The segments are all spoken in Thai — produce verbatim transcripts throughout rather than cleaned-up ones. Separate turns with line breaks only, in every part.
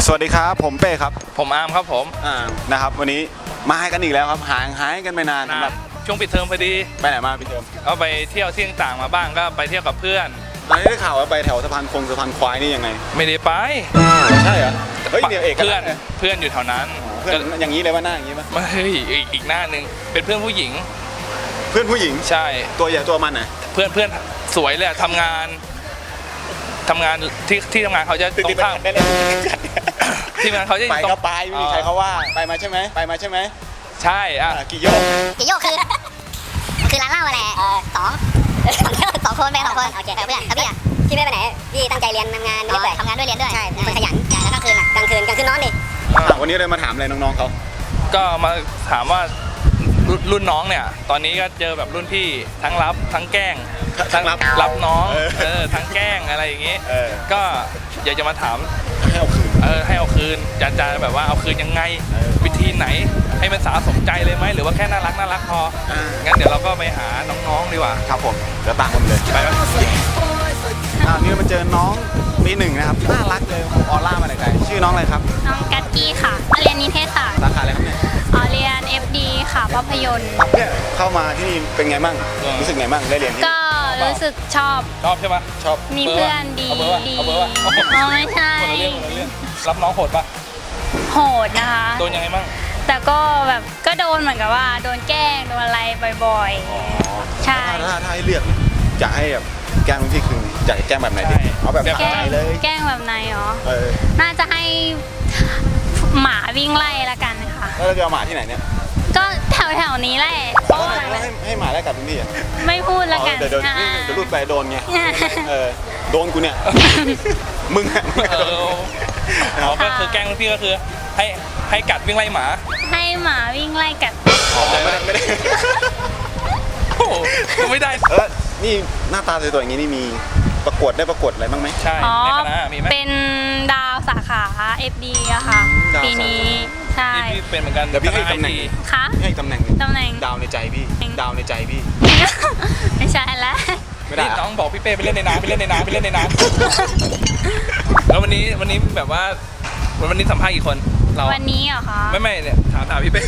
สวัสดีครับผมเป้ครับ
ผมอาร์มครับผม
อ่านะครับวันนี้มาให้กันอีกแล้วครับห่างหายกันไปนานสำหรับ
ช่วงปิดเทอมพอดี
ไปไหนมาปิดเทอม
ก็ไปเที่ยวที่ต่างๆมาบ้างก็ไปเที่ยวกับเพื่อน
ตอนนี้ได้ข่าวว่าไปแถวสะพานคงสะพานควายนี่ยังไง
ไม่ได้ไป
ใช่เหรอเฮ้ยเดี๋ยวเอก
เพื่อนเพื่อนอยู่แถวนั้น
เพื่อนอย่างนี้เลยว่าหน้าอย่างนี้ป่ะ
ไม่อีกหน้านึงเป็นเพื่อนผู้หญิง
เพื่อนผู้หญิง
ใช่
ตัวใหญ่ตัวมันไหน
เพื่อนเพื่อนสวยเลยทำงานทำงานที่ที่ทำงานเขาจะตรงข้ามที่ทำงานเขาจะ
ไปก็ไปไม่มีใครเขาว่าไปมาใช่ไหมไปมาใช่ไหม
ใช่อ่ะ
กี่โยก
กี่โยกคือคือร้านเหล้าแหละสองสองคนไปสองคนโอเคเพื่อนแล้วพี่อ่ะพี่ไม่ไปไหนพี่ตั้งใจเรียนทำงานไม่ได้ทำงานด้วยเรียนด้วยใช่เป็นคนขยันแล้วกลางคืนอ่ะกลางคืนกลางคืนนอนดิ
วันนี้เลยมาถามอะไรน้องๆเขา
ก็มาถามว่ารุ่นน้องเนี่ยตอนนี้ก็เจอแบบรุ่นพี่ทั้งรับทั้งแกล้ง
ทั้งรับ
รับน้องเออทั้งแกล้งอะไรอย่างงี้ก็อยากจะมาถาม
ให้เอาคืน
เออให้เอาคืนจะจะแบบว่าเอาคืนยังไงวิธีไหนให้มันสาสมใจเลยไหมหรือว่าแค่น่ารักน่ารักพองั้นเดี๋ยวเราก็ไปหาน้องๆดีกว่า
ครับผมเดี๋ยวตามผมเลยไปไหมอ่านี่มาเจอน้องปีหนึ่งนะครับน่ารักเลยออร่ามาเลยไกลชื่อน้องอะไรครับ
น้องกัตกี้ค่ะเรียนนิเทศศาสตร์
สาขาอะไรครับเนี่ย
อ๋อเรียน เอฟ ดี ค่ะภาพยนตร์
เนี่ยเข้ามาที่นี่เป็นไงบ้างรู้สึกไงบ้างได้เรียนที่
ก็รู้สึกชอบ
ชอบใช่ปะ
ชอบ
มีเพื่อนดีดี
เอาเบอร์วะ
อ๋อไม่ใช่
รับน้องโหดปะ
โหดนะคะ
โดนยังไงบ้าง
แต่ก็แบบก็โดนเหมือนกับว่าโดนแกล้งโดนอะไรบ่อยๆใช่
ถ้าถ้าให้เลือกจะให้แบบแกล้งที่คือจะแกล้งแบบไหนดีเอาแบบ
แกล้งเลยแกล้งแบบไหนอ๋อน่าจะให้หมาวิ่งไล่ละกันค่ะ
แล้วเราจะเอาหมาที่ไหนเนี่ย
ก็แถวแถวนี้แหละ
ให้ให้หมาไล่กัดพี่พี่
ไม่พูดละกัน
เดี๋ยวเดี๋ยวเดี๋ยวรูดไปโดนไงเออโดนกูเนี่ยมึง
อ๋อก็คือแกล้งพี่ก็คือให้ให้กัดวิ่งไล่หมา
ให้หมาวิ่งไล่กัด
ไม่ได้ไม่ได้
โอ้ไม่ได้
เออนี่หน้าตาสวยๆอย่างนี้นี่มีประกวดได้ประกวดอะไรบ้างไหม
ใช่ในคณะมีไหม
เป็นดาวสาขา เอฟ ดี อะค่ะปีนี้ใช่
พี่เป็นเหมือนกัน
เดี๋ยวพี่ให้ตำแหน่ง
ค่ะ
ให้ตำแหน่ง
ตำแหน่ง
ดาวในใจพี่ดาวในใจพี่
ไม่ใช่แล้ว
ไม่ได้
น้องบอกพี่เป้ไปเล่นในน้ำไปเล่นในน้ำไปเล่นในน้ำแล้ววันนี้วันนี้แบบว่าวันนี้สัมภาษณ์กี่คนเรา
วันนี้เหรอคะ
ไม่ไม่เนี่ยถามถามพี่เป้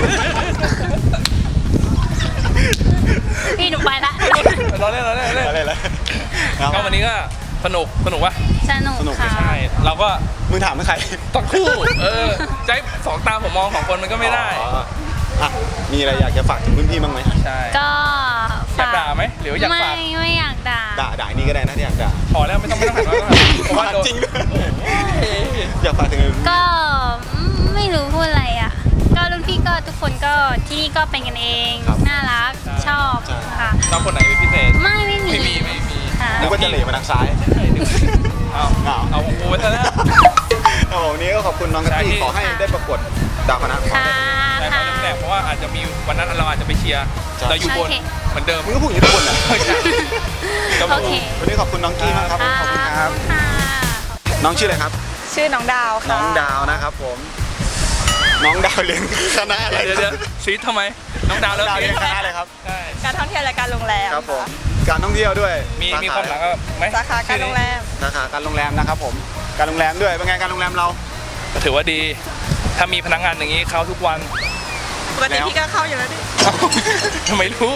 พี่หนูไปละ
เราเล่นเราเล่นเราเล่น
อะไรแล้ว
ก็วันนี้ก็สนุกสนุกวะ
สนุกค่ะ
ใช่เราก็
มึงถามใคร
ต้องคู่เออใจสองตาผมมองสองคนมันก็ไม่ได้
มีอะไรอยากจะฝากถึงรุ่นพี่บ้างไหม
ใช่
ก็
อยากด่าไหมหรืออยากฝาก
ไม่ไม่อยากด่า
ด่าด่านี่ก็ได้นะที่อยากด่า
พอแล้วไม่ต้องไม่ต้องหันมาเพราะว่า
จริงอยากฝากถึง
ก็ไม่รู้พูดอะไรอ่ะก็รุ่นพี่ก็ทุกคนก็ที่นี่ก็เป็นกันเองน่ารักชอบค่ะ
ชอบคนไหนเป็นพิเศษ
ไม่ไม่มี
ไม่มีไม่มี
นึกว่าจะเหลี่ยมาทางซ้าย
เอาเอาโอ้ยซะแล้ว
เอาวันนี้ก็ขอบคุณน้องกะทิขอให้ได้ประกวดดาวคณะ
ค่ะ
ค่ะเพราะว่าอาจจะมีวันนั้นเราอาจจะไปเชียร์เราอยู่บนเหมือนเดิม
มึงก็พูดอย่างนี้ทุกคนนะ
โอเค
วันนี้ขอบคุณน้องกี้มากครับขอบคุณครับน้องชื่ออะไรครับ
ชื่อน้องดาวค่ะ
น้องดาวนะครับผมน้องดาวเรียนคณะอะไร
เดี๋ยวซีทำไมน้องดาวเ
รียนคณะอะไรครับ
การท่องเที่ยวและการโรงแรม
ครับผมการท่องเที่ยวด้วย
มีมีความหลังไหม
สาขาการโรงแรม
สาขาการโรงแรมนะครับผมการโรงแรมด้วยเป็นไงการโรงแรมเรา
ถือว่าดีถ้ามีพนักงานอย่างนี้เข้าทุกวัน
ปกติพี่ก็เข้าอยู่แล้วดิ
ทำไมรู้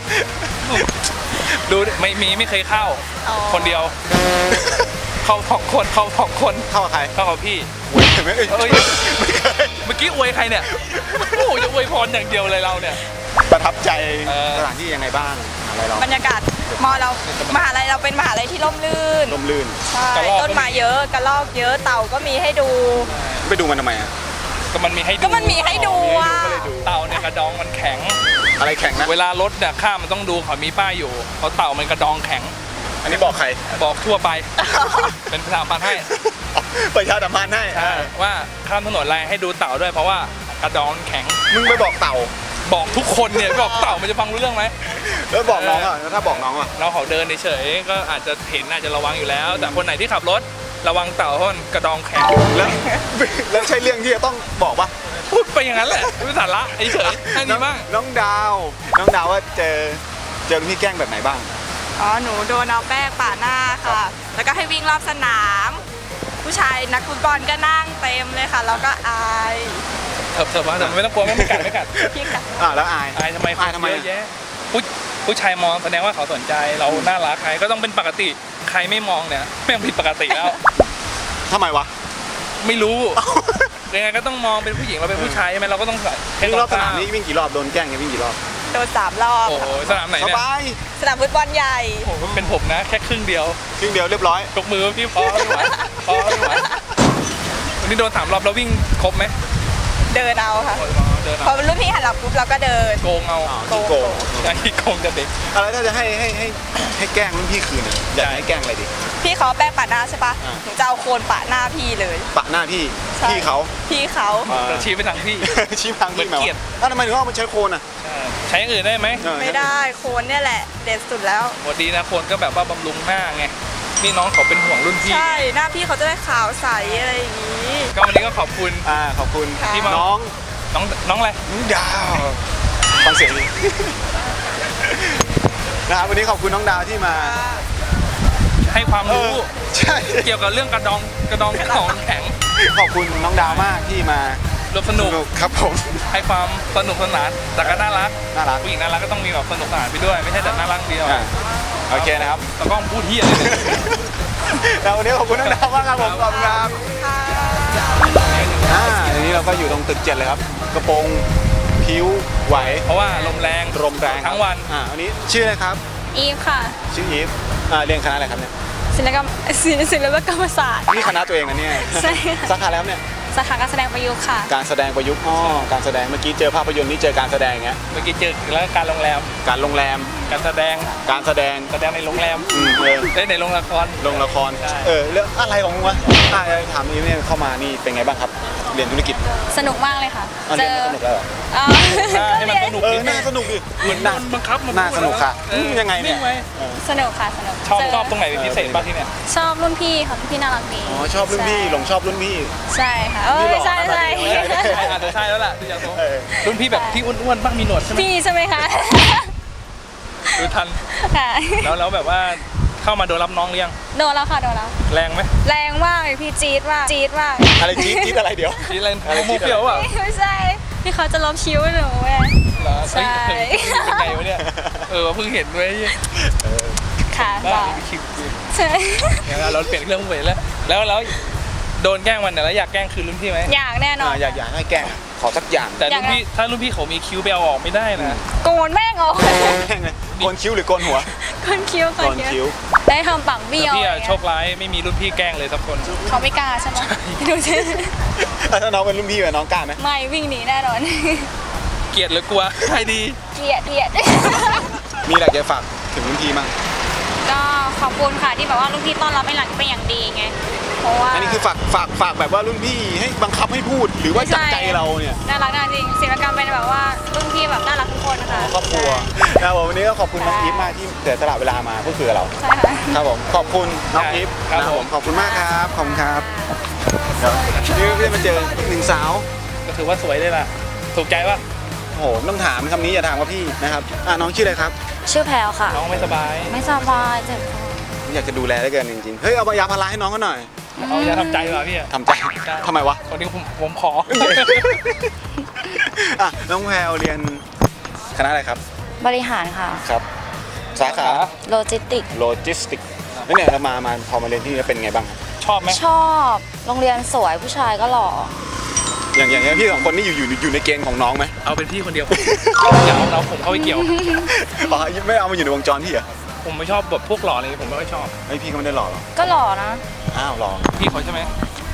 ดูไม่มีไม่เคยเข้าคนเดียวเข้าสองคนเข้าสองคน
เข้ากับใคร
เข้ากับพี่
อวยไหมเอ้ย
เมื่อกี้อวยใครเนี่ยโอ้จะอวยพรอย่างเดียวเลยเราเนี่ย
ประทับใจสถานที่ยังไงบ้างอะไรเรา
บรรยากาศมอเรามหาลัยเราเป็นมหาลัยที่ร่มรื่น
ร่มรื่น
ใช่ต้นไม้เยอะกระรอกเยอะเต่าก็มีให้ดู
ไปดูมันทำไมอ่ะ
ก็มันมีให้ดู
ก็มันมีให้ดูอ่ะ
เต่าเนี่ยกระดองมันแข็ง
อะไรแข็งนะ
เวลารถเนี่ยข้ามมันต้องดูเขามีป้ายอยู่เพราะเต่ามันกระดองแข็ง
อันนี้บอกใคร
บอกทั่วไปเป็นประชาสัมพันธ์ให้
ประชาสัมพันธ์ให้
ว่าข้ามถนนอะไรให้ดูเต่าด้วยเพราะว่ากระดองแข็ง
มึงไปบอกเต่า
บอกทุกคนเนี่ยบอกเต่ามันจะฟังรู้เรื่องไหม
แล้วบอกน้องอ่ะถ้าบอกน้องอ่ะ
เราเขาเดินเฉยๆก็อาจจะเห็นอาจจะระวังอยู่แล้วแต่คนไหนที่ขับรถระวังเต่าเพราะกระดองแข็ง
แล้วแล้วใช่เรื่องที่จะต้องบอกปะ
พูดไปอย่างนั้นแหละไม่สาระเฉยๆให้ดีมาก
น้องดาวน้องดาวว่าเจอเจอพี่แกล้งแบบไหนบ้าง
อ๋อหนูโดนเอาแป้งป่าหน้าค่ะแล้วก็ให้วิ่งรอบสนามผู้ชายนักฟุตบอลก็นั่งเต็มเลยค่ะเราก็อาย
เถิบเถิบมาแต่ไม่ต้องกลัวไม่ไม่กัดไม่กัด
พี่กัด
อ่าแล้วอาย
อายทำไม
อายทำไม
เยอะแยะผู้ผู้ชายมองแสดงว่าเขาสนใจเราน่ารักใครก็ต้องเป็นปกติใครไม่มองเนี่ยแม่งผิดปกติแล้ว
ทำไมวะ
ไม่รู้ยังไงก็ต้องมองเป็นผู้หญิงเราเป็นผู้ชายใช่ไหมเราก็ต้องใส่
วิ่งรอบสนามนี้วิ่งกี่รอบโดนแกล้งเนี่ยวิ่งกี่รอบ
โดนสามรอบ
โอ้โหสนามไหน
ส
เนี่ย
บาย
สนามฟุตบอลใหญ่
โอ้โหเป็นผมนะแค่ครึ่งเดียว
ครึ่งเดียวเรียบร้อย
ยกมือพี่พอไม่ไหวพอไม่ไหววันนี้โดนสามรอบแล้ววิ่งครบไหม
เดินเอาค่ะ
โอ้ยเดิน
พอ
เอา
รุ่นพี่หันหลังปุ๊บเราก็เดิน
โกงเอา
อ๋อขี้โกง
ไอ้โกงจะเด็ก
อะไรถ้าจะให้ให้ให้ให้แกล้งรุ่นพี่คืนอะอยากให้แกล้งอะไรดี
พี่เขาแป้งปะหน้าใช่ปะ
อ่า
หนูจะเอาโคนปะหน้าพี่เลย
ปะหน้าพี่
ใช่
พี่เขา
พี่เขา
อ่า
เราชี้ไปทางพี่
ชี้พังพี่
เหมือนเกลียด
อ้าวทำไมถึงเอามาใช้โคนอ่ะ
ใช่ใช้อย่างอื่นได้ไหม
เออ
ไม่ได้โคนเนี่ยแหละ เด็ดสุดแล้ว
ปกตินะคนก็แบบว่าบำรุงหน้าไงนี่น้องเขาเป็นห่วงรุ่นพี่
ใช่หน้าพี่เขาจะได้ขาวใสอะไรอย่างนี้
ก็วันนี้ก็ขอบคุณ
อ่าขอบคุณ
ค่ะ
ที่มา
น้อง
น้องน้องอะไร
น้องดาวฟังเสียงดี นะครับวันนี้ขอบคุณน้องดาวที่มา
ให้ความรู้
เออใช่
เกี่ยวกับเรื่องกระดองกระดองของแข็ง
ขอบคุณน้องดาวมากที่มา
ร่วมสนุก
ครับผม
ให้ความสนุกสนานแต่ก็น่ารัก
น่ารัก
ผู้หญิงน่ารักก็ต้องมีแบบสนุกสนานไปด้วยไม่ใช่แต่น่ารักเดียว
อ่าโอเคนะครับ
แต่ก็พูดเที่ยเลยเนี่ย
แล้ววันนี้ขอบคุณน้องดาวมากครับผมขอบคุณครับอ่าทีนี้เราก็อยู่ตรงตึกเจ็ดเลยครับ กระโปรงผิวไหว
เพราะว่าลมแรง
ลมแรงครับ
ทั้งวัน
อ่าวันนี้ชื่ออะไรครับ
อีฟค่ะ
ชื่ออีฟอ่าเรียนคณะอะไรครับเนี่ย
ศิลปกรรมศิลศิลปกรรมศาสตร์
นี่คณะตัวเองนะเนี่ย
ใช่
สาขาแล้วเนี่ย
สาขาการแสดงประยุกต์ค่ะ
การแสดงประยุกต์อ๋อการแสดงเมื่อกี้เจอภาพยนตร์นี่เจอการแสดงเงี้ย
เมื่อกี้เจอแล้วการโรงแรม
การโรงแรม
การแสดง
การแสดง
แสดงในโรงแรม
อืมเออ
ได้ในโรงละคร
ลงละคร
ใช่
เออเรื่องอะไรของมึงวะอ่าถามอีฟเนี่ยเข้ามานี่เป็นไงบ้างครับ เรียนธุรกิจ
สนุกมากเลยค่ะ
อ่ะ
เจ
เรียน
อ
มาสนุกแล้วเหรอ
เอ่อ
ให้มันสนุก
เออ
นิดนึ
น่าง สนุกดิ
เหมือนโดนบังคับมัน
น่าสนุกค่ะ
เออ
ยังไงเนี่ย
งว้
เออ
สนุกค่ะสนุก
ชอบ
เ
ชอบตรงไหนเป็นพิเศษบ้างที่เนี่ย
ชอบรุ่นพี่ค่ะรุ่นพี่น่ารักดี
อ๋อชอบรุ่นพี่หลงชอบรุ่นพี่
ใช่ค่ะเอ
นี่
อ
หล่อ
ใช่
นะ
ใช่
แบบนี้
ใช่อาจจะใช่แล้วล่ะดูจากทรง
เออ
รุ่นพี่แบบที่อ้วนๆบ้างมีหนวดใช่ไหม
พี่ใช่ไหมคะ
ดูทัน
ค่ะ
แล้วแล้วแบบว่าเข้ามาโดนรับน้องหรือยัง
โดนแล้วค่ะโดนแล้ว
แรงไหม
แรงมากเลยพี่จี๊ดมากจี๊ดมาก
อะไรจี๊ดจี๊ดอะไรเดี๋ยว
ทีอะไร
อะไร
มู
จี๊ดอะไร
เปรี้ยวเปล่า
ไม่ใช่พี่เขาจะลบคิ้วหนูเว้ย
เหรอ
ใช่
เฮ้ยเป็นไงวะเนี่ยเออเพิ่งเห็นด้วย
ค่ะ
บ้า
จ้ะ
คิด
ใช่
อย่างนั้นเราเปลี่ยนเรื่องไปแล้วแล้วแล้วโดนแกล้งวันไหนแล้วอยากแกล้งคืนรุ่นพี่ไหม
อยากแน่นอ
อ่าน อยากอยากให้แกล้งขอสักอย่าง
แต่รุ่นพี่ถ้ารุ่นพี่เขามีคิ้วไปเอาออกไม่ได้นะ
โกนแม่งออก
แกล้งเลยโกนคิ้วหรือโกนหัว
โกนคิ้วโก
โก
น
น
คิ้
คิ้
ว
ว
ได้ทำปากเบี้ยว
แต่พี่อะ
อะไร
โชคร้ายไม่มีรุ่นพี่แกล้งเลยสักคน
เขาไม่กล้าใช่ไหมดูสิ
อ่ะถ้าน้องเป็นรุ่นพี่อะน้องกล้าไหม
ไม่วิ่งหนีแน่นอน
เกลียดหรือกลัวใครดี
เกลียดเกลียด
มีอะไรจะฝากถึงรุ่นพี่มั้ง
ก็ขอบคุณค่ะที่แบบว่ารุ่นพี่ต้อนรับเป็นหลักเป็นอย่างดีไง เพราะว่า
อันนี้คือฝากฝากฝากแบบว่ารุ่นพี่ให้บังคับให้พูดหรือว่าจากใจเราเนี่ย
น่ารักน่าจริงศิลปกรรมเป็นแบบว่ารุ่นพี่แบบน่ารักทุกคนนะคะ
ครอบครัวนะครับผมวันนี้ก็ขอบคุณน้องอีฟมากที่เสียสละเวลามาพูดคุยกับเรา
ใช่ค่ะ
ครับผมขอบคุณน้องอีฟ
ครับ
นะ
ผม
ขอบคุณมากครับขอบคุณครับเดี๋ยวนี่ได้มาเจอหนึ่งสาว
ก็ถือว่าสวยเลยล่ะถูกใจป่ะ
โอ้โหต้องถามคำนี้อย่าถามว่าพี่นะครับอ่ะน้องชื่ออะไรครับ
ชื่อแพลวค่ะ
น้องไม่สบาย
ไม่สบายเจ็บคอ
อยากจะดูแลได้เกินจริงๆเฮ้ยเอายาพาราให้น้องเขาหน่อย
เอาอย่าทำใจเหรอพี่อะ
ทำใจทำไมวะ
วันนี้ผมผมขอ
อ่ะน้องแพลวเรียนคณะอะไรครับ
บริหารค่ะ
ครับ สาขา
โลจิสติก
โลจิสติกแล้วเนี่ยเรามามาพอมาเรียนที่นี่แล้วเป็นไงบ้างครับ
ชอบไหม
ชอบโรงเรียนสวยผู้ชายก็หล่อ
อย่างอย่างเงี้ยพี่สองคนนี่อยู่อยู่อยู่ในเกณฑ์ของน้องไหม
เอาเป็นพี่คนเดียว อย่าเอาเราผมเข้าไปเกี่ยว
อ๋อไม่เอามาอยู่ในวงจรพี่เหรอ
ผมไม่ชอบแบบพวกหล่อเลยผมไม่ค่อยชอบ
ไอยพี่ก็ไม่ได้หล่อหรอก
ก็หล่อนะ
อ้าวหล่อ
พี่เขาใช่ไหม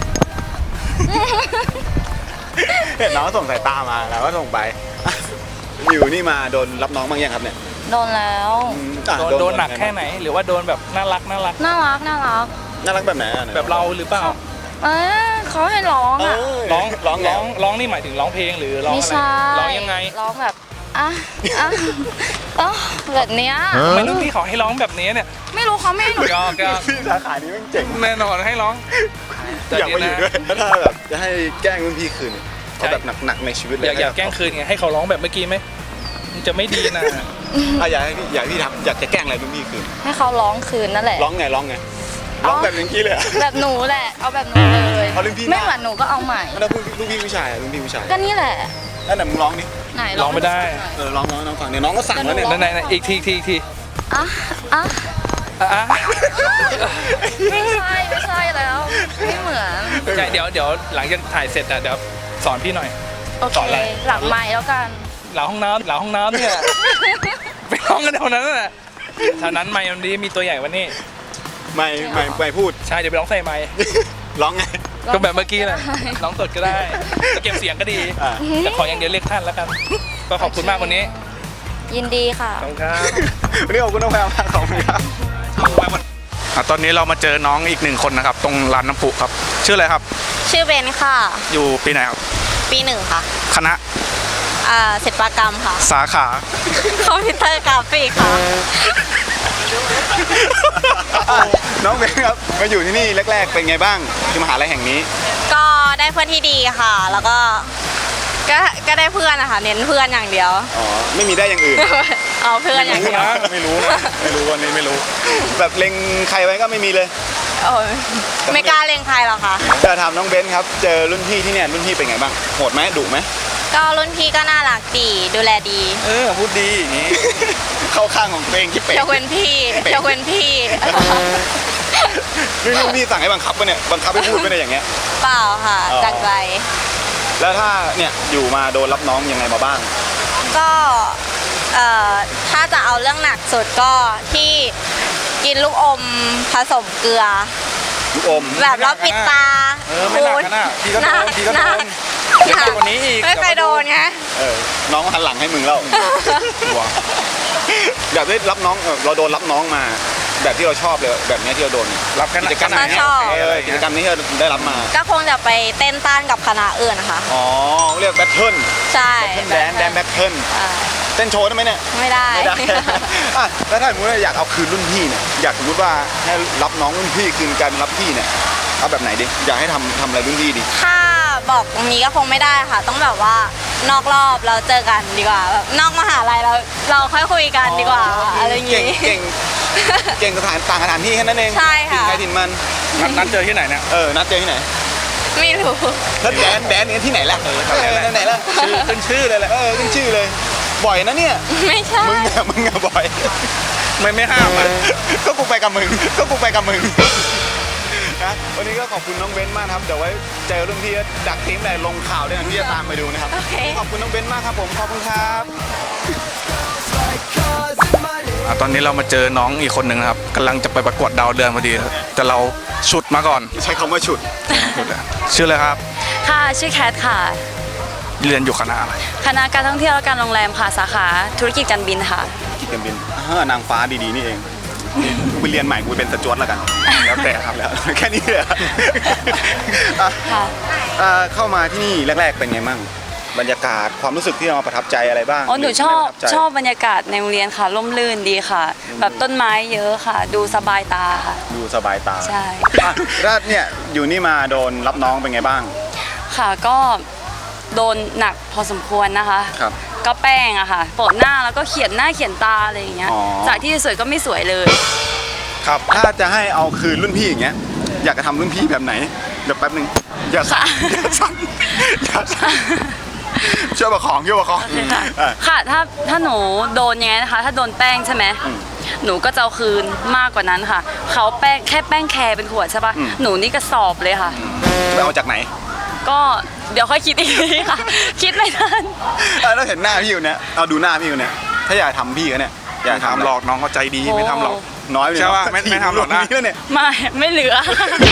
เห็นน้องส่งสายตามาแล้วก็ส่งไปอ่ะอยู่นี่มาโดนรับน้องบ้างยังครับเนี่ย
โดนแล้ว
อืมอ่ะ
โดนโดนหนักแค่ไหน หรือว่าโดนแบบน่ารักน่ารัก
น่ารักน่ารัก
น่ารักแบบไหนอ่ะ
แบบเราหรือเปล่า
เออเขาให้ร้อง
เอ
อ่ะ
อ
ร้อง
ร้อง
ร้
ร้
อ
อง ง
ร้องนี่หมายถึงร้องเพลงหรือร้อง
ไม่
อะไร
ใช่
ร้องยังไง
ร้องแบบอ่ะอ่ะอ่ะแบบเนี้ย
ทำไมรุ่นพี่เขาให้ร้องแบบนี้เนี่ย
ไม่รู้เขาไม่ให้หนู
ก็ก็
พี่สาขานี้แม่งเจ๋ง
แน่นอนให้ร้อง
อยากมาอยู่ด้วยแล้วถ้าแบบจะให้แกล้งรุ่นพี่คืนเนี่ยเอาแบบหนักๆในชีวิตเลย
อยากอยากแกล้งคืนไงให้เขาร้องแบบเมื่อกี้ไหมมันจะไม่ดีนะ
อ่ะอยากให้พี่อยากให้พี่ทำอยากจะแกล้งอะไรรุ่นพี่คืน
ให้เขาร้องคืนนั่นแหละ
ร้องไงร้องไงร้องแบบอย่างนี้เลยอะ
แบบหนูแหละ เอาแบบหนูเลย
เอารุ่นพี่
ไม่เหมือนหนูก็เอาใหม่
แล้วรุ่นรุ่นพี่ผู้ชายอะรุ่นพี่ผู้ชาย
ก็นี่แหละ
แล้วไหนมึงร้องดิ
ไหน
ร้องไม่ได้
เออร้องร้องน้องฟังเนี่ยน้องก็สั่งแล้วเนี่ย
นั่นไหนๆอีกทีอีกทีอีกที
อ่ะอ่ะ
อ่ะอ่ะ
ไม่ใช่ไม่ใช่แล้วไม่เหมือน
ใช่เดี๋ยวเดี๋ยวหลังจากถ่ายเสร็จอ่ะเดี๋ยวสอนพี่หน่อย
โอเค
สอนอะไร
หลังไม้แล้วกัน
หลังห้องน้ำหลังห้องน้ำเนี่ย ไปร้องกันแถวนั้นน่ะแถวนั้นไมค์มันดีมีตัวใหญ่กวันนี้
ไม่ไม่ไม่พูด
ใช่เดี๋ยวไปร้องใส่ไมค์
ร้องไง
ก็แบบเมื่อกี้แหละร้องสดก็ได้เก็บเสียงก็ดี
อ่า
แต่ขออย่างเดียวเรียกท่านแล้วกัน ก็ขอบคุณมากวันนี้
ยินดีค่ะ
ขอบคุณครับ
วันนี้ขอบคุณน้องแพรมากขอบคุณครับอ่ะตอนนี้เรามาเจอน้องอีกหนึ่งคนนะครับ ตรงร้านน้ำพุครับ ชื่ออะไรครับ
ชื่อเบนค่ะ
อยู่ปีไหนครับ
ปีหนึ่งค่ะ
คณะ
อ่าศิลปกรรมค่ะ
สาขา
คอมพิวเตอร์กราฟิกค่ะ
อ่ะน้องเบนครับมาอยู่ที่นี่แรก ๆ เป็นไงบ้างที่มหาลัยแห่งนี้
ก็ได้เพื่อนที่ดีค่ะ แล้วก็ก็ก็ได้เพื่อนนะคะเน้นเพื่อนอย่างเดียว
อ๋อไม่มีได้อย่างอื่น
เอาเพื่อนอย่างเดียว
ไม่รู้นะไม่รู้วันนี้ไม่รู้ แบบเล็งใครไว้ก็ไม่มีเลย
โอ้ยไม่กล้าเล็งใครหรอกค่ะ
จะถามน้องเบนครับเจอรุ่นพี่ที่เนี่ยรุ่นพี่เป็นไงบ้างโหดไหมดุไหม
ก็รุ่นพี่ก็น่ารักดีดูแลดี
เออพูดดีอย่างนี้ เข้าข้างของตัวเองที่เป็ด
ยกเว้นพี่ยกเว้นพี่
รุ่นพี่สั่งให้บังคับปะเนี่ยบังคับให้พูดปะเนี่ยอย่างเงี้ย
เปล่าค่ะ
อ๋อ
จากใจ
แล้วถ้าเนี่ยอยู่มาโดนรับน้องยังไงมาบ้าง
ก็เอ่อถ้าจะเอาเรื่องหนักสุดก็ที่กินลูกอมผสมเกลือ
ลูกอม
แบบแล้วปิดตา
เออไม่หนักขนาดพี่ก็โดนพี่ก็โดน
หนัก
เดี๋ยวกว่านี้อีก
ไม่เคยโดนไง
เออน้องหันหลังให้มึงแล้วหัวแบบได้รับน้องเออเราโดนรับน้องมา แบบที่เราชอบเลยแบบเนี้ยที่เราโดน
รับกัน
กิจกรรมไหน
ชอบ
เออกิจกรรมนี้ที่เราได้รับมา
ก็คงจะไปเต้นต้านกับคณะอื่นนะคะ
อ๋อเรียกแบทเทิล
ใช่
แดนแดนแบทเทิล
อ่า
เต้นโชว์ได้ไหมเนี่ย
ไม่ได้
ไม่ได้ อ่ะแล้วถ้าสมมติว่าอยากเอาคืนรุ่นพี่เนี่ยอยากสมมติว่าให้รับน้องรุ่นพี่คืนการรับพี่เนี่ยเอาแบบไหนดิอยากให้ทำทำอะไรรุ่นพี่ดิ
ถ้าบอกตรงนี้ก็คงไม่ได้ค่ะ ต้องแบบว่านอกรอบเราเจอกันดีกว่าแบบนอกมหาลัยเราเราค่อยคุยกันดีกว่าอะไรอย่าง
เก่ง
งี้
เก่งเก่งสถานต่างสถานที่แค่นั้นเอง
ใช่ค่ะ
ถิ่นใครถิ่นมัน
นัดนัดเจอที่ไหนเนี่ย
เออนัดเจอที่ไหน
ไม่รู้
แล้วแดนแดนเนี่ยที่ไหนล่ะเออที่ไหนล่ะชื่อขึ้นชื่อเลยแหละเออขึ้นชื่อเลยบ่อยนะเนี่ย
ไม่ใช่
มึงอะมึงอะบ่อย
ไม่ไม่ห้ามอ่ะ
ก็กูไปกับมึงก็กูไปกับมึงนะวันนี้ก็ขอบคุณน้องเบนซ์มากนะครับเดี๋ยวไว้เจอรุ่นพี่ดักทีมไหนลงข่าวด้วยนะที่จะตามไปดูนะครับ
โอเค
ขอบคุณน้องเบนซ์มากครับผมขอบคุณครับอ่ะตอนนี้เรามาเจอน้องอีกคนหนึ่งนะครับกำลังจะไปประกวดดาวเดือนพอดีครับแต่เราฉุดมาก่อนใช้คำว่าฉุดชื่ออะไรครับ
ค่ะ ชื่อแคทค่ะ
เรียนอยู่คณะอะไร
คณะการท่องเที่ยวและการโรงแรมค่ะ สาขาธุรกิจการบินค่ะ
กิจการบินเออนางฟ้าดีๆนี่เองกูไปเรียนใหม่กูเป็นสจวตแล้วกันแล้วแต่ครับแล้วแค่นี้เลยอ่ะ
ค่ะ
อ่ะเข้ามาที่นี่แรก ๆ เป็นไงมั่งบรรยากาศความรู้สึกที่เราประทับใจอะไรบ้าง
อ๋อ หนู
รื
ชอบ
ไม่ประทัใจ
ชอบบรรยากาศในโรงเรียนค่ะ ร่มรื่นดีค่ะ แบบต้นไม้เยอะค่ะ ดูสบายตาค่ะ
ดูสบายตา
ใช่
อ่ะแล้วเนี่ยอยู่นี่มาโดนรับน้องเป็นไงบ้าง
ค่ะ ก็โดนหนักพอสมควรนะคะ
ครับ
ก็แป้งอะค่ะโปะหน้าแล้วก็เขียนหน้าเขียนตาอะไรอย่างเงี้ย
อ๋อ
จากที่สวยก็ไม่สวยเลย
ครับ ถ้าจะให้เอาคืนรุ่นพี่อย่างเงี้ยอยากจะทำรุ่นพี่แบบไหนเดี๋ยวแป๊บนึงอย่าสั่นอย่าสั่นอย่าสั่นช่วยประคองช่วยประคอง
ค่ะ
อ่ะ
ค่ะ ถ้าถ้าหนูโดนยังไงนะคะ ถ้าโดนแป้งใช่ไหม
อืม
หนูก็จะเอาคืนมากกว่านั้นค่ะ เขาแป้งแค่แป้งแคร์เป็นขวดใช่ปะ
อืม
หนูนี่กระสอบเลยค่ะ
ไปเอาจากไหน
ก็เดี๋ยวค่อยคิดอีกทีค่ะ คิดไม่ทัน
เออแล้วเห็นหน้าพี่อยู่เนี่ยเอาดูหน้าพี่อยู่เนี่ยถ้าอยากทำพี่เขาเนี่ยอยากทำหลอกน้องเขาใจดีไม่ทำหรอกน้อยเลย
ใช่ป่ะไม่ไม่ทำหรอกนะ
แล้วเนี่ย
ไม่ ไม่เหลือ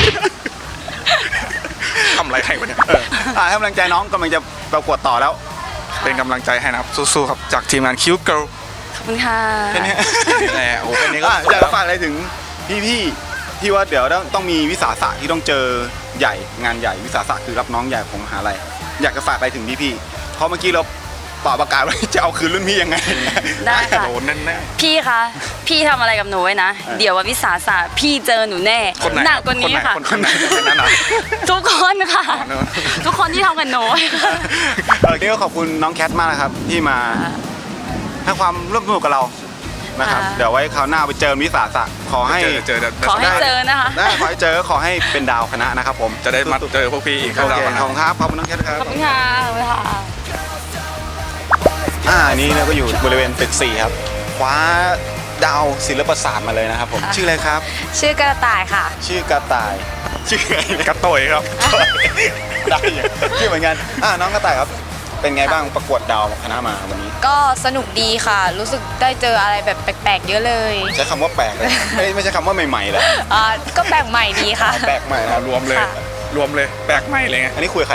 ทำอะไรใครวะเนี่ย
เอออ่ะให้กำลังใจน้องกำลังจะประกวดต่อแล้ว
เป็นกำลังใจให้นะครับสู้ๆครับจากทีมงานคิวเกิล
ขอบคุณค่ะ
แค่นี้
นี่แหละโอ้แค่นี้ก็
อ่ะอยากจะฝากอะไรถึงพี่ๆที่ว่าเดี๋ยวต้องต้องมีวิสาสะที่ต้องเจอใหญ่งานใหญ่วิสาสะคือรับน้องใหญ่ของมหาลัยอยากจะฝากอะไรถึงพี่ๆเพราะเมื่อกี้เราเป่าประกาศว่าจะเอาคืนรุ่นพี่ยังไง
ได้ค่ะ
โดนแน่
พี่คะ พี่ทำอะไรกับหนูไว้นะ
เออ
เดี๋ยววันวิสาสะพี่เจอหนูแน่
ๆคนไหน
หนักกว่านี้ค่ะ
คนไหนคนไหนคนนั้นน่ะ
ทุกคนค่ะ
อ๋อเนอะ
ทุกคนที่ทำกับหนู
เออนี่ก็ขอบคุณน้องแคทมากนะครับที่มาให้ความร่วมสนุกกับเรานะครับ
ค่ะ
เดี๋ยวไว้คราวหน้าไปเจอวิสาสะขอให้
เจอเจอ
ขอให้เจอนะคะ
ได้ขอให้เจอขอให้เป็นดาวคณะนะครับผม
จะได้มาเจอพวกพี่อีกค
โอ
รั้ง
เค
นะ
ขอบคุณครับขอบคุณน้องแคทครับ
ขอบคุณค่ะขอบคุณค่ะ
อ่านี่เราก็อยู่บริเวณตึกสี่ครับคว้าดาวศิลปศาสตร์มาเลยนะครับผมชื่ออะไรครับ
ชื่อกระต่ายค่ะ
ชื่อกระต่ายชื่ออะไรนะ
กระโตยครับ
ได้อยู่ชื่อเหมือนกันอ่าน้องกระต่ายครับเป็นไงบ้างประกวดดาวคณะมาวันนี้
ก็สนุกดีค่ะ รู้สึกได้เจออะไรแบบแปลกๆ เยอะเลย
ใช้คำว่าแปลกเลยไม่ไม่ใช่คำว่าใหม่ๆเลย
อ่าก็แปลกใหม่ดีค่ะ
แปลกใหม่นะ
รวมเลย
ค่ะ
รวมเลยแปลกใหม่เลยไง
อันนี้คุยกับใคร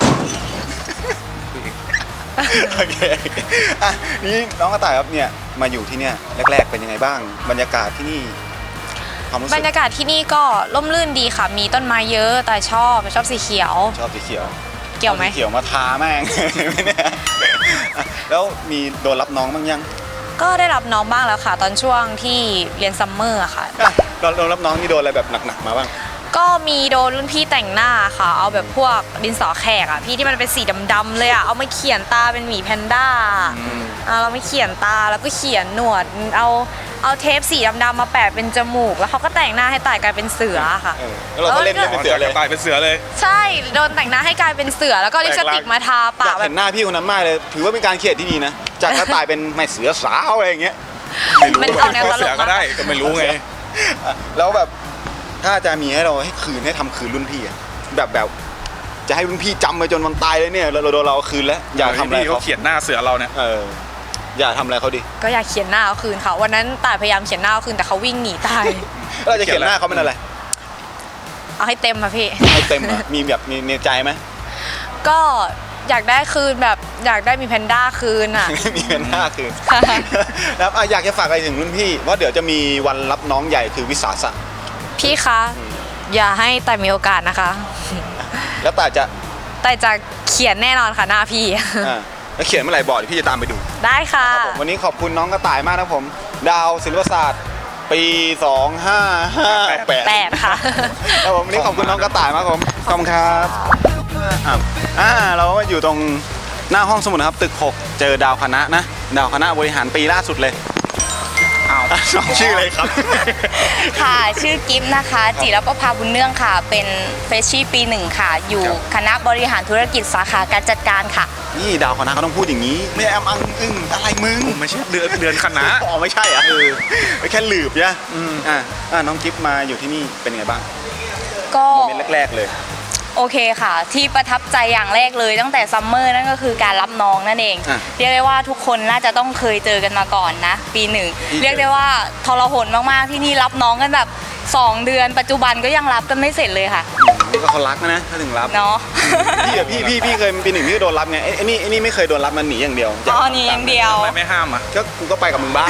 โอเคอ่ะนี่น้องกระต่ายครับเนี่ยมาอยู่ที่เนี่ยแรกๆเป็นยังไงบ้างบรรยากาศที่นี่ความรู้สึ
บร
ก
รยากาศที่นี่ก็ร่มรื่นดีค่ะ มีต้นไม้เยอะ แต่ชอบชอบสีเขียว
ชอบสีเขียว
เกี่ยวไหม
สีเขียวมาทาแม่ง เนี่ยแล้วมีโดนรับน้องบ้างยัง
ก็ได้รับน้องบ้างแล้วค่ะ ตอนช่วงที่เรียนซัมเมอร์อะค่ะ
อ่ะโดนโดนรับน้องนี่โดนอะไรแบบหนักๆมาบ้าง
ก็มีโดนรุ่นพี่แต่งหน้าค่ะ เอาแบบพวกดินสอแขกอะพี่ที่มันเป็นสีดำๆเลยอะเอามาเขียนตาเป็นหมีแพนด้าเอาเราไม่เขียนตาแล้วก็เขียนหนวด เอาเอาเทปสีดำๆมาแปะเป็นจมูก แล้วเขาก็แต่งหน้าให้ตายกลายเป็นเสือค่ะ
เออแล้วเราก็เล่นเล่นเป็นเสือเลย
ตายเป็นเสือเลย
ใช่โดนแต่งหน้าให้กลายเป็นเสือแล้วก็ลิปสติกมาทา
อ
ปาย
าก ก
แบ
เห็
บ
นหน้าพี่คนนั้นมากเลย ถือว่าเป็นการเขียนที่ดีนะ จากกระต่ายเป็นไม่เสือสาวอะไรอย่างเงี้ย
มันออกแนวตล
เสือก ก็
มาก
ได้ก็ไม่รู้ไง
อ่ะแล้วแบบถ้าจะมีให้เราให้คืนให้ทำคืนรุ่นพี่อะแบบแบบจะให้รุ่นพี่จำไปจนวันตายเลยเนี่ยเราเราโดนเราเอาคืนแล้วอย่าทำอะไร
พี่เขา
เขา
เขียนหน้าเสือเราเนี่ย
เอออย่าทำอะไรเขาดิ
ก็อยากเขียนหน้าเอาคืนค่ะวันนั้นตายพยายามเขียนหน้าเอาคืนแต่เขาวิ่งหนีตาย
แล้วเราจะเขียนหน้าเขาเป็นอะไร
เอาให้เต็มค่ะพี่
ให้เต็มอะมีแบบมีในใจไหม
ก็อยากได้คืนแบบอยากได้มีแพนด้าคืนอ่ะ
มีเป็นหน้าคืน
ค่ะ
แล้วอ่ะอยากจะฝากอะไรถึงรุ่นพี่ว่าเดี๋ยวจะมีวันรับน้องใหญ่คือวิสาสะ
พี่คะ อย่าให้แต่มีโอกาสนะคะ
แล้วแต่จะ
แต่จะเขียนแน่นอนค่ะหน้าพี่
อ่าแล้วเขียนเมื่อไหร่บอกเดี๋ยวพี่จะตามไปดู
ได้ค่ะ
ครับผมวันนี้ขอบคุณน้องกระต่ายมากนะครับผม ดาวศิลปศาสตร์ ปี สองห้าห้าแปด
แปดค่ะ
ครับผมวันนี้ขอบคุณน้องกระต่ายมากครับผมขอบคุณครับอ่ะอ่าเราก็อยู่ตรงหน้าห้องสมุดนะครับตึกหกเจอดาวคณะนะ ดาวคณะบริหารปีล่าสุดเลยอ้าวน้องชื่ออะไรครับ
ค่ะชื่อกิฟต์นะคะ จิรประภาบุญเนื่องค่ะ เป็นเฟรชชี่ปีหนึ่งค่ะ อยู่
ครับ
คณะบริหารธุรกิจสาขาการจัดการค่ะ
นี่ดาวคณะเขาต้องพูดอย่างนี้ ไม่แอมอังอึ้งอะไรมึง
ไม่ใช่เดือนเดือนคณะ
อ๋อไม่ใช่อ่ะเออไม่แค่หลืบเนี่ยอ่าอ่าน้องกิฟมาอยู่ที่นี่เป็นไงบ้าง
ก็
โมเมนต์แรกๆเลย
โอเคค่ะ ที่ประทับใจอย่างแรกเลยตั้งแต่ซัมเมอร์นั่นก็คือการรับน้องนั่นเอง
อ่ะ
เรียกได้ว่าทุกคนน่าจะต้องเคยเจอกันมาก่อนนะ ปีหนึ่ง
ที่เจอ
เรียกได้ว่าทรหดมากๆที่นี่รับน้องกันแบบสองเดือนปัจจุบันก็ยังรับกันไม่เสร็จเลยค่ะ
นี่ก็เขารักนะถ้าถึงรับ
เนาะ
พี่อะพี่พี่พี่เคยปีหนึ่งพี่ก็โดนรับไงไอ้ไอ้นี่ไอ้นี่ไม่เคยโดนรับมันหนีอย่างเดียว
อ๋อหนีอย่างเดียว
ทำไมไม่ห้ามอ่ะ
ก็กูก็ไปกับมึงบ้าง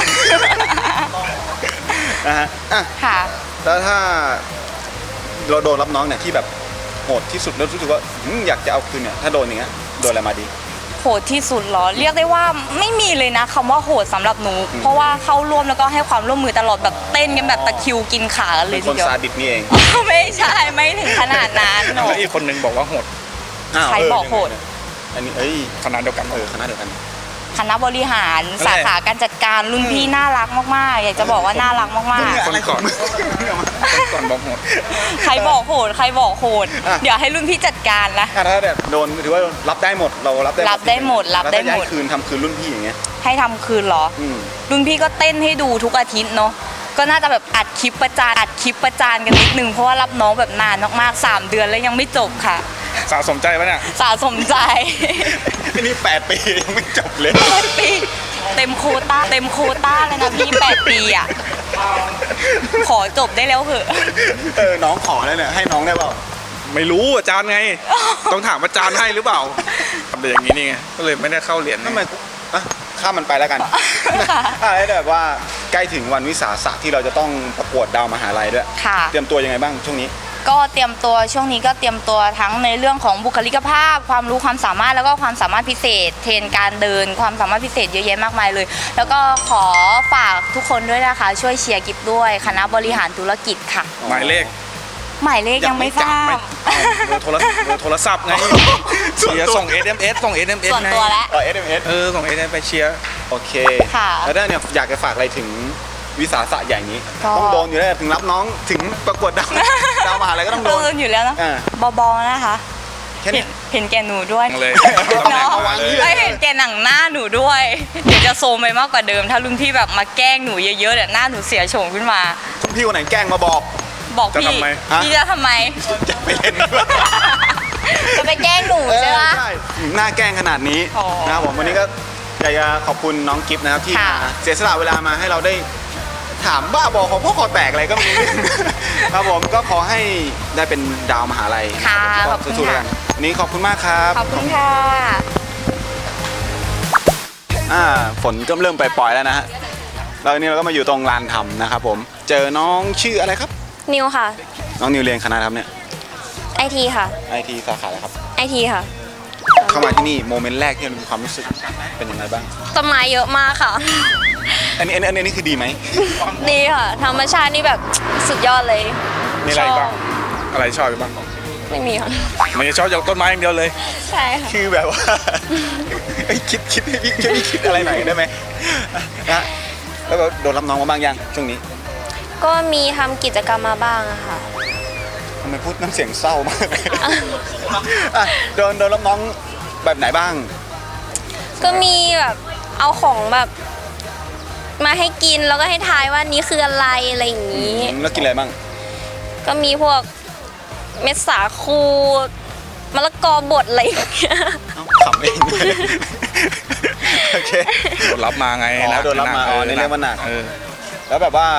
นะฮะอ่ะ
ค่ะ
แล้วถ้าเราโดนรับน้องเนี่ยที่แบบโหดที่สุดแล้วรู้สึกว่าอืมอยากจะเอาคืนเนี่ยถ้าโดนอย่างเงี้ยโดนอะไรมาดี
โหดที่สุดเหรอ เรียกได้ว่าไม่มีเลยนะคำว่าโหดสำหรับหนู เพราะว่าเข้าร่วมแล้วก็ให้ความร่วมมือตลอดแบบเต้นกันแบบตะคริวกินขากันเล
เป็
ย
น
ที
คน
เดียว
ซาดิสนี่เอง
ไม่ใช่ไม่ถึงขนาดนั้นหนู
แล้วอีกคนนึงบอกว่าโหด
อ้าว
ใครบอกโหด
อันนี้เอ้ย
คณะเดียวกัน
เออคณะเดียวกัน
คณะบริหารสาขาการจัดการรุ่นพี่น่ารักมากๆ อยากจะบอกว่าน่ารักมาก
คนก่อนคนก่อนบอกโหด
ๆ ใครบอกโหดใครบอกโหด
อ่ะ
เดี๋ยวให้รุ่นพี่จัดการนะ
อ่ะถ้าแบบโดนถือว่ารับได้หมดเรารับได้
รับได้หมดรับได้หมด
แล้วถ้าจะให้คืนทำคืนรุ่นพี่อย่างเงี้ย
ให้ทำคืนเหรอ
อืม
รุ่นพี่ก็เต้นให้ดูทุกอาทิตย์เนาะก็น่าจะแบบอัดคลิปประจานอัดคลิปประจานกันนิดนึงเพราะว่ารับน้องแบบนานมากๆสามเดือนแล้วยังไม่จบค่ะ
สะสมใจปะเนี่ย
สะสมใจ
อันนี้แปดปียังไม่จบเลย
แปดปีเต็มโควต้าเต็มโควต้าเลยนะพี่แปดปีอ่ะ ขอจบได้แล้วเหอะ
เออน้องขอแล้วเนี่ยให้น้องได้เปล่า
ไม่รู้อาจารย์ไง ต้องถามอาจารย์ให้หรือเปล่าทำแต่อย่างนี้นี่ไง ก็เลยไม่ได้เข้าเรียน
ทำไมกูอ่ะข้ามมันไปแล้วกัน
ค่ะ
อ่ะแล้วแบบว่าใกล้ถึงวันวิสาสะที่เราจะต้องประกวดดาวมหาลัยด้วย
ค่ะ
เตรียมตัวยังไงบ้างช่วงนี้
ก็เตรียมตัวช่วงนี้ก็เตรียมตัวทั้งในเรื่องของบุคลิกภาพ ความรู้ความสามารถแล้วก็ความสามารถพิเศษ เทรนการเดิน ความสามารถพิเศษเยอะแยะมากมายเลย แล้วก็ขอฝากทุกคนด้วยนะคะ ช่วยเชียร์กิฟด้วยคณะบริหารธุรกิจค่ะ
หมายเลข
หมายเลขยังไม่ทราบ
เบอร์โทรเบอร์โทรศัพท์ไง เชียร์ส่ง เอส เอ็ม เอส ส่ง เอส เอ็ม เอส
ส่วน
ไง
ตัวแล้ว
เออ เอส เอ็ม เอส
เออ ส่ง เอส เอ็ม เอส ไปเชียร์
โอเค
ค่ะ
แล้วเนี่ยอยากจะฝากอะไรถึงวิสาสะใหญ่นี้
ก็
ต้องโดนอยู่แล้วถึงรับน้องถึงประกวดดาว ดาวมหาลัยก็ต้องโด
โด
น
นอยู่แล้วนะ
อ่า
บอๆนะคะ
แค่
เห็
นี้
นเห็นแก่หนูด้วย
เลย
เนาะ
เอาวางนี่เลย
แล้วเห็นแก่หนังหน้าหนูด้วย เดี๋ยวจะโซมไปมากกว่าเดิม ถ้ารุ่นพี่แบบมาแกล้งหนูเยอะๆเดี๋ยวหน้าหนูเสียโฉมขึ้นมา
พี่คนไหนแกล้งมาบอก
บอก
จะ
พี่
ทำไม
ฮะ
พี่จะทำไม
จะไปเล่นด้วย
จะไปแกล้งหนูใช่ไหม
ใช่หน้าแกล้งขนาดนี้
อ๋อ
นะครับผมวันนี้ก็อยากจะขอบคุณน้องกิฟต์นะครับที่
ค่ะ
มาเสียสละเวลามาให้เราได้ถามบ้าบอของพ่อคอแตกอะไรก็ไม่รู้ ครับผมก็ขอให้ได้เป็นดาวมหาลัย
ค่ะ
นะ
ข
รั
อบคุณ
สู้ๆแล้ว
ค่ะ
กันวันนี้ขอบคุณมากครับ
ขอบคุณค่ะ
อ่าฝนก็เริ่มปล่อยๆแล้วนะฮะแล้ววันนี้เราก็มาอยู่ตรงลานธรรมนะครับผมเจอน้องชื่ออะไรครับ
นิวค่ะ
น้องนิวเรียนคณะครับเนี่ย
ไอทีค่ะ
ไอทีสาขาอะไรครับ
ไอทีค่ะ
เข้ามาที่นี่โมเมนต์แรกที่เรามีความรู้สึกเป็นยังไงบ้าง
ต้นไม้เยอะมากค่ะ
อันนี้อันนี้อันนี้คือดีไหม
ดีค่ะ ธรรมชาตินี่แบบสุดยอดเลย
มีอะไรบ้าง
ช
อะไรชอบบ้าง
ไม่มีค่ะ
มันจะชอบอย่างต้นไม้อย่างเดียวเลย
ใช่ค่ะ
คือแบบว่า เอ้ยคิดคิดให้พี่ช่วยพี่คิดอะไรหน่อยได้ไหมนะแล้วแบบโดนรับน้องมาบ้างยังช่วงนี้
ก็มีทำกิจกรรมมาบ้างอะค่ะ
ทำไมพูดน้ำเสียงเศร้ามากอ่ะโดนโดนรับน้องแบบไหนบ้าง
ก็มีแบบเอาของแบบมาให้กินแล้วก็ให้ทายว่านี้คืออะไรอะไรอย่างนี้
แล้วกินอะไรบ้าง
ก็มีพวกเม็ดสาคูมะละกอบดอะไรอย่างเงี้ย
เอ้าขำเอง โอเค
โดนรับมาไง
อ๋อ
หก
โดนรับมา
หก
อ๋อนี่เรียกว่าหนัก
เออ
แล้วแบบว่า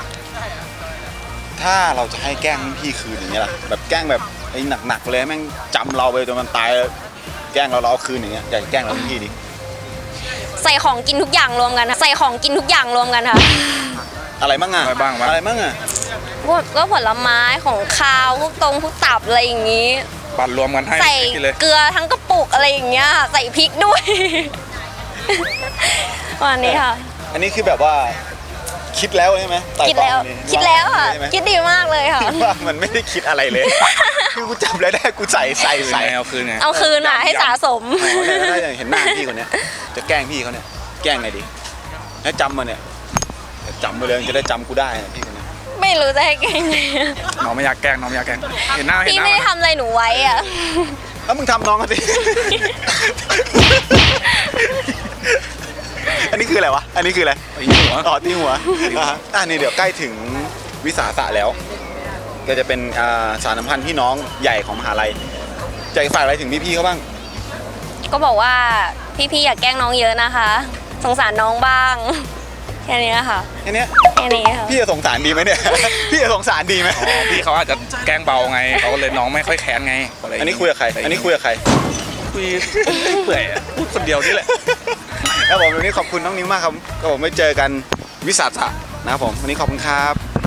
ถ้าเราจะให้แกล้งรุ่นพี่คืนอย่างเงี้ยล่ะแบบแกล้งแบบไอ้หนักๆเลยแม่งจำเราไปจนมันตายแล้วแกล้งเราเราเอาคืนอย่างเงี้ยอยากจะแกล้งเรารุ่นพี่ดิ
ใส่ของกินทุกอย่างรวมกันค่ะใส่ของกินทุกอย่างรวมกันค่ะ
อะไรบ้างอะ
อะไรบ้างวะ
อะไรบ้างอะ
พวกก็ผลไม้ของคาวพวกตรงพวกตับอะไรอย่างนี้
ปั่นรวมกันให้
ใส่
กินเลย
เกลือทั้งกระปุกอะไรอย่างเงี้ยใส่พริกด้วย วันนี้ค่ะ
อันนี้คือแบบว่าคิดแล้วใช่ไหมไต่
คิด
ตร
แล้ว
งนี่
คิดแล้วค่ะ
ใช่ไหม
คิดดีมากเลยค่ะ
ว่ามันไม่ได้คิดอะไรเลย คือกูจับแล้วได้กูใส่ใส่
ใส่
ใส่
เอาคืนไง
เอาคืนอ่ะให้สะสม
อ๋อเนี่ยถ้าอย่างเห็นหน้าพี่คนเนี้ยจะแกล้งพี่เขาเนี่ยแกล้งไงดีให้จำมาเนี่ยจำมาเลยจะได้จำกูได้นะพี่คนเนี้ย
ไม่รู้จะให้แกงไง
น้องไม่อยากแกล้งน้องไม่อยากแกล้งเห็นหน้าเห็น
พี่
หน้า
ไม่ได้ทำอะไรหนูไว้อ่ะ
แล้วมึงทำน้องกันดิ อันนี้คืออะไรวะ อันนี้คืออะไร
ตีหัว
อ๋อตีหัวอ่ะฮะอ่ะนี่เดี๋ยวใกล้ถึงวิสาสะแล้ว ก็จะเป็นอ่าสารสัมพันธ์พี่น้องใหญ่ของมหาลัยจะฝากอะไรถึงพี่ๆเขาบ้าง
ก็บอกว่าพี่ๆอย่าแกล้งน้องเยอะนะคะ สงสารน้องบ้าง แค่นี้ค่ะ
แค่เนี้ย
แค่นี้ค่ะ
พี่จะสงสารดีไหมเนี่ย พี่จะสงสารดีไหม
อ๋อพี่เขาอาจจะแกล้งเบาไงเขาก็เลยน้องไม่ค่อยแค้นไงะไร
อันนี้คุยกับใคร อันนี้คุยกับใคร
คุยเปื่อยอะพูดคนเดียวนี่แหละ
ครับผมวันนี้ขอบคุณน้องนิ้วมากครับก็ผมไม่เจอกันวิสาสะนะครับผมวันนี้ขอบคุณครับ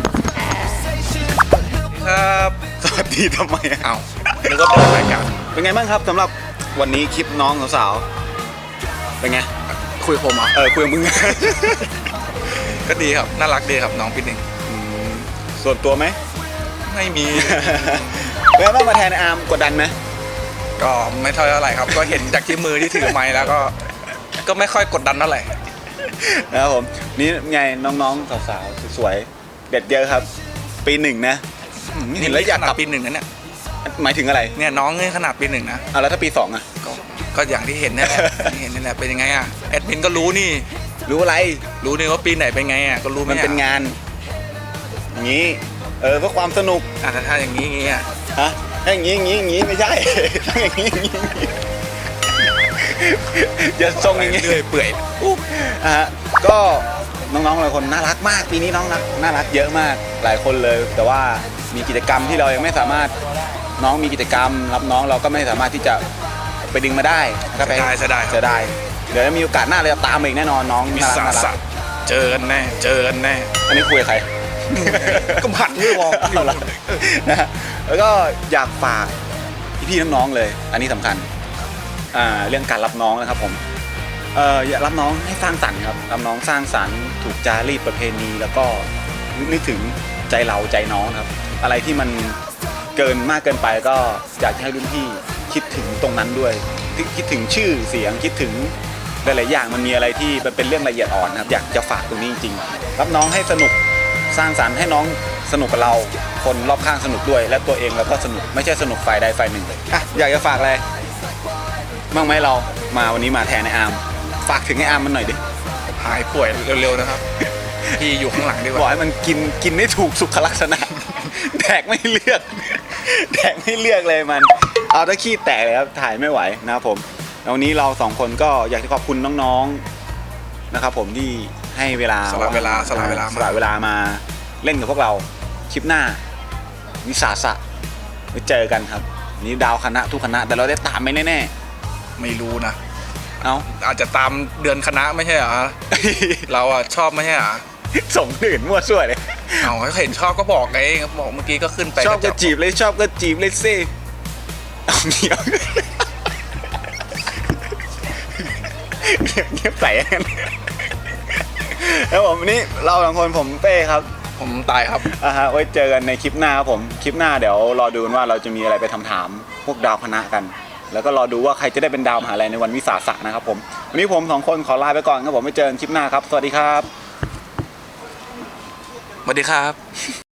ครับ
สวัสดีทำไมอะ
เอ้านึกว่าเปิดรายการ
เป็นไงบ้างครับสำหรับวันนี้คลิปน้องสาวๆเป็นไง
คุยกับผมเหรอ
เออคุยกับมึง
ก็ดีครับน่ารักดีครับน้องพี่หนึ่ง
อืมส่วนตัวไหม
ไม่มี
แล้วต้องมาแทนอาร์มกดดันไหม
ก็ไม่เท่าไหร่ครับ ก็เห็นจากที่มือที่ถือไม้แล้วก็ ก็ไม่ค่อยกดดันเท่าไหร่
นะครับผมนี่ไงน้องๆสาวๆสวยๆเด็ดเยอะครับ ปีหนึ่งนะอืมเห็นแล้วอยากกลับ
ปีหนึ่งนะเนี่ย
หมายถึงอะไร
เนี่ยน้องเนี่ยขนาดปีหนึ่งนะ
อ่ะแล้วถ้าปีสองอ่ะ
ก็ก็อย่างที่เห็นนี่แหละ ที่เห็นนี่แหละเป็นยังไงอ่ะแอดมินก็รู้นี่
รู้อะไร
รู้นี่ว่าปีไหนเป็นไงอ่ะก็รู้ไห
มันเป็น
อ่ะ
งานอย่างนี้เออเพื่อความสนุก
อ่ะถ้าถ้าอย่างนี้อย่างนี้อ่ะ
ฮะถ้าอย่างนี้อย่างนี้อย่างนี้ไม่ใช่ ต้องอย่างนี้อย่างนี้อย่างนี้อย่าทรงอย่างนี้
เรื่อยเปื่อยอู้
อ่ะฮะก็น้องๆหลายคนน่ารักมากปีนี้น้องรักน่ารักเยอะมากหลายคนเลย แต่ว่ามีกิจกรรมที่เรายังไม่สามารถน้องมีกิจกรรม รับน้องเราก็ไม่สามารถที่จะไปดึงมาได้ก็ไป
จะได้จะได้
จะได้ เดี๋ยวมีโอกาสหน้าเราจะตามมาอีกแน่นอนน้อง
มี
น่ารัก
สา
น่ารั
สะ
ก
เจอกันแน่เจอกันแน่
อันนี้คุยกับใคร
ก็ผัดไม่วอกอยู่
เอาละนะฮะแล้วก็อยากฝากพี่ๆน้องๆเลย อันนี้สำคัญอ่าเรื่องการรับน้องนะครับผมเอ่ออย่ารับน้องให้สร้างสรรค์ครับรับน้องสร้างสรรค์ถูกจารีตประเพณี แล้วก็นึกถึงใจเราใจน้องครับ อะไรที่มันเกินมากเกินไปก็อยากจะให้รุ่นพี่คิดถึงตรงนั้นด้วยคิดคิดถึงชื่อเสียงคิดถึงหลายๆอย่างมันมีอะไรที่มันเป็นเรื่องละเอียดอ่อนนะครับอยากจะฝากตรงนี้จริงๆรับน้องให้สนุกสร้างสรรค์ให้น้องสนุกกับเราคนรอบข้างสนุกด้วยและตัวเองแล้วก็สนุกไม่ใช่สนุกฝ่ายใดฝ่ายหนึ่งอ่ะอยากจะฝากอะไรบ้างไหมเรามาวันนี้มาแทนไอ้อาร์มฝากถึงไอ้อาร์มมันหน่อยดิ
หายป่วยเร็วๆนะครับ พี่อยู่ข้างหลังดีก
บอก
ว่า
ให้มันกินกินได้ถูกสุขลักษณะ แดกไม่เลือก แดกไม่เลือกเลยมันเอาถ้าขี้แตกเลยครับถ่ายไม่ไหวนะครับผมแล้ววันนี้เราสองคนก็อยากจะขอบคุณน้องๆนะครับผมที่ให้เวลา
สละเวลาสละเวลา
สละเวลามาเล่นกับพวกเราคลิปหน้าวิสาสะไว้เจอกันครับวันนี้ดาวคณะทุกคณะแต่เราได้ตามไปแน่
ไม่รู้นะ
ๆเอา
อาจจะตามเดือนคณะไม่ใช่เหรอ เราอ่ะชอบไม่ใช่เหรอ
ส่งอื่นมั่วซั่วเลย
เอาเห็นชอบก็บอกไงบอกเมื่อกี้ก็ขึ้นไป
ชอบก็
จั
จีบเลยชอบก็จีบเลยสิเอาเงียบเงียบใส่กันแล้วผมวันนี้เราสองคนผมเป้ครับ
ผมตายครับ
อ่าฮะไว้เจอกันในคลิปหน้าครับผมคลิปหน้าเดี๋ยวรอดูกันว่าเราจะมีอะไรไปทำถามพวกดาวคณะกัน แล้วก็รอดูว่าใครจะได้เป็นดาวมหาลัยในวันวิสาสะนะครับผมวันนี้ผมสองคนขอลาไปก่อนครับผมไว้เจอกันคลิปหน้าครับสวัสดีครับ
สวัสดีครับ